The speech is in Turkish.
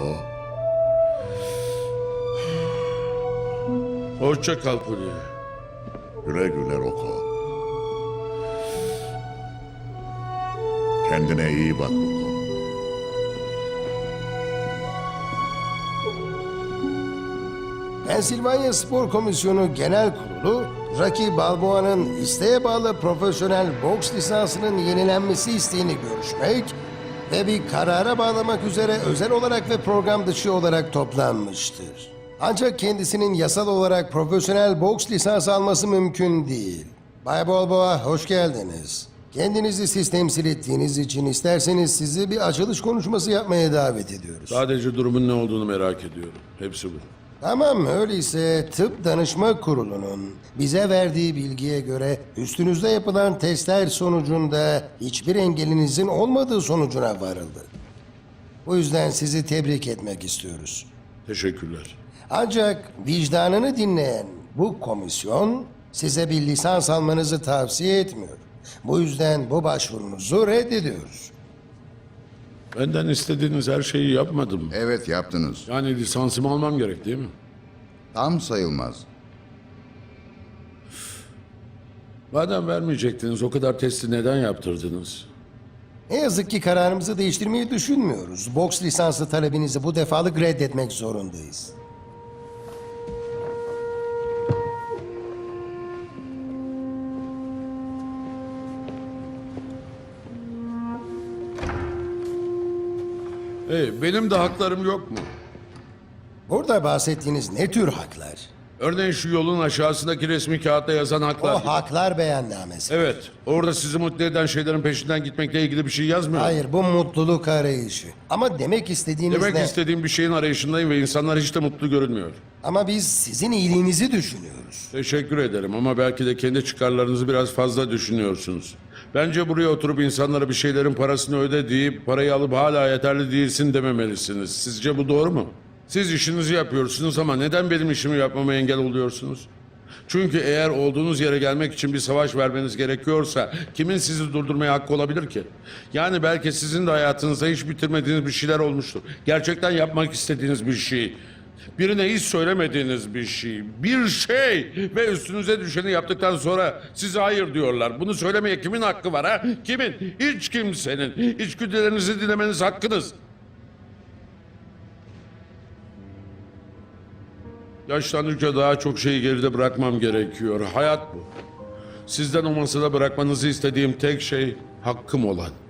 Roko. Hoşça kal Puli. Güle güle Roko. Kendine iyi bak Roko. Pensilvanya Spor Komisyonu Genel Kurulu, Rocky Balboa'nın isteğe bağlı profesyonel boks lisansının yenilenmesi isteğini görüşmek ve bir karara bağlamak üzere özel olarak ve program dışı olarak toplanmıştır. Ancak kendisinin yasal olarak profesyonel boks lisansı alması mümkün değil. Bay Balboa, hoş geldiniz. Kendinizi siz temsil ettiğiniz için isterseniz sizi bir açılış konuşması yapmaya davet ediyoruz. Sadece durumun ne olduğunu merak ediyorum. Hepsi bu. Tamam, öyleyse Tıp Danışma Kurulu'nun bize verdiği bilgiye göre üstünüzde yapılan testler sonucunda hiçbir engelinizin olmadığı sonucuna varıldı. Bu yüzden sizi tebrik etmek istiyoruz. Teşekkürler. Ancak vicdanını dinleyen bu komisyon size bir lisans almanızı tavsiye etmiyor. Bu yüzden bu başvurunuzu reddediyoruz. Benden istediğiniz her şeyi yapmadım. Evet yaptınız. Yani lisansımı almam gerek değil mi? Tam sayılmaz. Madem vermeyecektiniz, o kadar testi neden yaptırdınız? Ne yazık ki kararımızı değiştirmeyi düşünmüyoruz. Boks lisansı talebinizi bu defalık reddetmek zorundayız. Benim de haklarım yok mu? Burada bahsettiğiniz ne tür haklar? Örneğin şu yolun aşağısındaki resmi kağıtta yazan O haklar. haklar beyannamesi. Evet, orada sizi mutlu eden şeylerin peşinden gitmekle ilgili bir şey yazmıyor. Hayır, bu mutluluk arayışı. Ama demek istediğiniz Demek ne? istediğim bir şeyin arayışındayım ve insanlar hiç de mutlu görünmüyor. Ama biz sizin iyiliğinizi düşünüyoruz. Teşekkür ederim ama belki de kendi çıkarlarınızı biraz fazla düşünüyorsunuz. Bence buraya oturup insanlara bir şeylerin parasını öde deyip parayı alıp hala yeterli değilsin dememelisiniz. Sizce bu doğru mu? Siz işinizi yapıyorsunuz ama neden benim işimi yapmama engel oluyorsunuz? Çünkü eğer olduğunuz yere gelmek için bir savaş vermeniz gerekiyorsa kimin sizi durdurmaya hakkı olabilir ki? Yani belki sizin de hayatınızda hiç bitirmediğiniz bir şeyler olmuştur. Gerçekten yapmak istediğiniz bir şey. Birine hiç söylemediğiniz bir şey. Bir şey ve üstünüze düşeni yaptıktan sonra size hayır diyorlar. Bunu söylemeye kimin hakkı var ha? Kimin? Hiç kimsenin. İçgüdülerinizi dinlemeniz hakkınız. Yaşlandıkça daha çok şeyi geride bırakmam gerekiyor. Hayat bu. Sizden o masada bırakmanızı istediğim tek şey hakkım olan.